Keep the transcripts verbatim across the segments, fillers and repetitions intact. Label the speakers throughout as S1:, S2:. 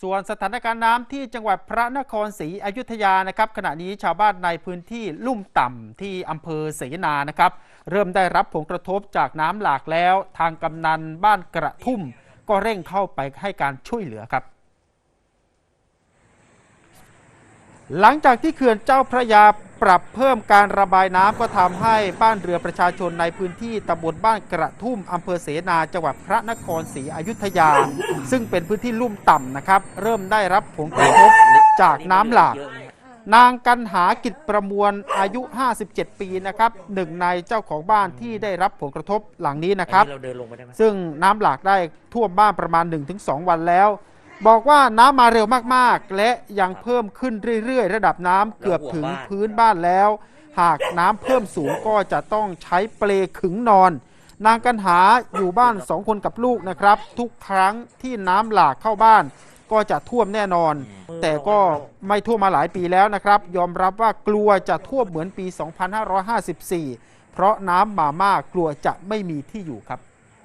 S1: ส่วนสถานการณ์น้ำที่จังหวัดพระนครศรีอยุธยานะครับขณะนี้ชาวบ้านในพื้นที่ลุ่มต่ำที่อำเภอเสนานะครับเริ่มได้รับผลกระทบจากน้ำหลากแล้วทางกำนันบ้านกระทุ่มก็เร่งเข้าไปให้การช่วยเหลือครับหลังจากที่เขื่อนเจ้าพระยาปรับเพิ่มการระบายน้ำก็ทำให้บ้านเรือประชาชนในพื้นที่ตำบลบ้านกระทุ่มอำเภอเสนาจังหวัดพระนครศรีอยุธยาซึ่งเป็นพื้นที่ลุ่มต่ำนะครับเริ่มได้รับผลกระทบจากน้ำหลากนางกันหากิจประมวลอายุห้าสิบเจ็ดปีนะครับหนึ่งในเจ้าของบ้านที่ได้รับผลกระทบหลังนี้นะครับซึ่งน้ำหลากได้ท่วมบ้านประมาณ หนึ่งถึงสอง วันแล้วบอกว่าน้ำมาเร็วมากๆและยังเพิ่มขึ้นเรื่อยๆระดับน้ำเกือบถึงพื้นบ้านแล้วหากน้ำเพิ่มสูงก็จะต้องใช้เปลขึงนอนนางกันหาอยู่บ้านสองคนกับลูกนะครับทุกครั้งที่น้ำหลากเข้าบ้านก็จะท่วมแน่นอนแต่ก็ไม่ท่วมมาหลายปีแล้วนะครับยอมรับว่ากลัวจะท่วมเหมือนปี สองพันห้าร้อยห้าสิบสี่ เพราะน้ำมามากกลัวจะไม่มีที่อยู่ครับ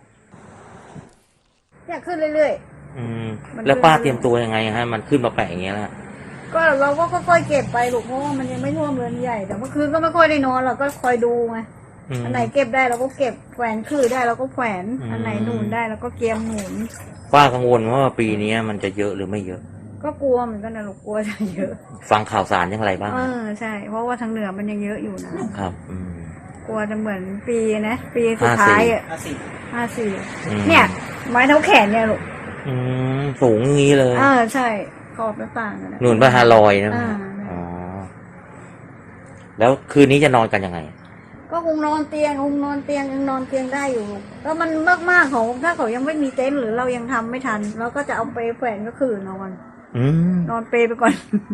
S2: เนี่ยขึ้นเรื่อย
S3: ๆอืมแล้วป้าเตรียมตัวยังไงฮะมันขึ้นมาแปะอย่างเงี้ยแล้ว
S2: ก็เราก็ค่อยๆเก็บไปลูกเพราะว่ามันยังไม่ท่วมเรือนใหญ่แต่เมื่อคืนก็ไม่ค่อยได้นอนเราก็คอยดูไงอันไหนเก็บได้เราก็เก็บแขวนคือได้เราก็แขวนอันไหนหนุนได้เราก็เกียมหนุน
S3: ป้ากังวลว่าปีนี้มันจะเยอะหรือไม่เยอะ
S2: ก็กลัวเหมือนกันนะลูกกลัวจะเยอะ
S3: ฟังข่าวสารยังไรบ้าง
S2: เออใช่เพราะว่าทางเหนือมันยังเยอะอยู่นะครับ
S3: อืม
S2: กลัวจะเหมือนปีนะปีสุดท้ายอ่ะห้าสี่ห้าสี่เนี่ยไม้เท้าแขนเนี่ยลูก
S3: อืมสูงงี้เลย
S2: อ่าใช่ขอบหน้าต่างนะ
S3: หนุนประหารลอยนะอ๋อแล้วคืนนี้จะนอนกันยังไง
S2: ก็คงนอนเตียงคงนอนเตียงยังนอนเตียงได้อยู่แล้วมันมากๆของถ้าเขายังไม่มีเต็นท์หรือเรายังทำไม่ทันเราก็จะเอาไปแขวนก็คือนอนนอนเปไปก่อน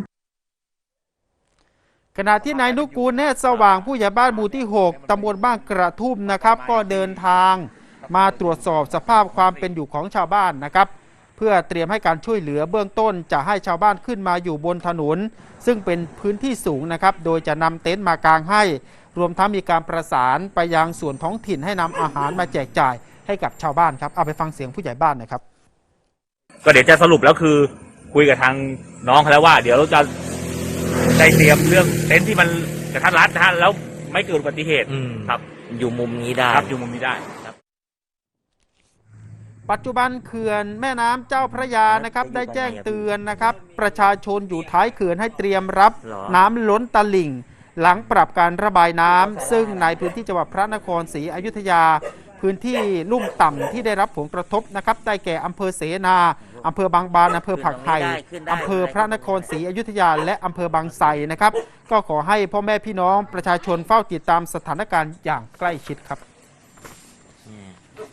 S1: ขณะที่นายนุกูลเนตรสว่างผู้ใหญ่บ้านหมู่ที่หกตำบลบ้านกระทุ่มนะครับก็เดินทางมาตรวจสอบสภาพความเป็นอยู่ของชาวบ้านนะครับเพื่อเตรียมให้การช่วยเหลือเบื้องต้นจะให้ชาวบ้านขึ้นมาอยู่บนถนนซึ่งเป็นพื้นที่สูงนะครับโดยจะนำเต็นท์มากางให้รวมทั้งมีการประสานไปยังส่วนท้องถิ่นให้นำอาหารมาแจกจ่ายให้กับชาวบ้านครับเอาไปฟังเสียงผู้ใหญ่บ้านนะครับ
S4: ก็เดี๋ยวจะสรุปแล้วคือคุยกับทางน้องเขาแล้วว่าเดี๋ยวเราจะได้เตรียมเรื่องเต็นท์ที่มันกระทัดรัดนะฮะแล้วไม่เกิดอุบัติเหตุครับ
S3: อยู่มุมนี้ได้
S4: ครับอยู่มุมนี้ได้ครับ
S1: ปัจจุบันเขื่อนแม่น้ำเจ้าพระยานะครับได้แจ้งเตือนนะครับประชาชนอยู่ท้ายเขื่อนให้เตรียมรับน้ำล้นตลิ่งหลังปรับการระบายน้ำซึ่งในพื้นที่จังหวัดพระนครศรีอยุธยาพื้นที่ลุ่มต่ำที่ได้รับผลกระทบนะครับได้แก่อำเภอเสนาอำเภอบางบานอำเภอผักไห่อำเภอพระนครศรีอยุธยาและอำเภอบางไทรนะครับก็ขอให้พ่อแม่พี่น้องประชาชนเฝ้าติดตามสถานการณ์อย่างใกล้ชิดครับ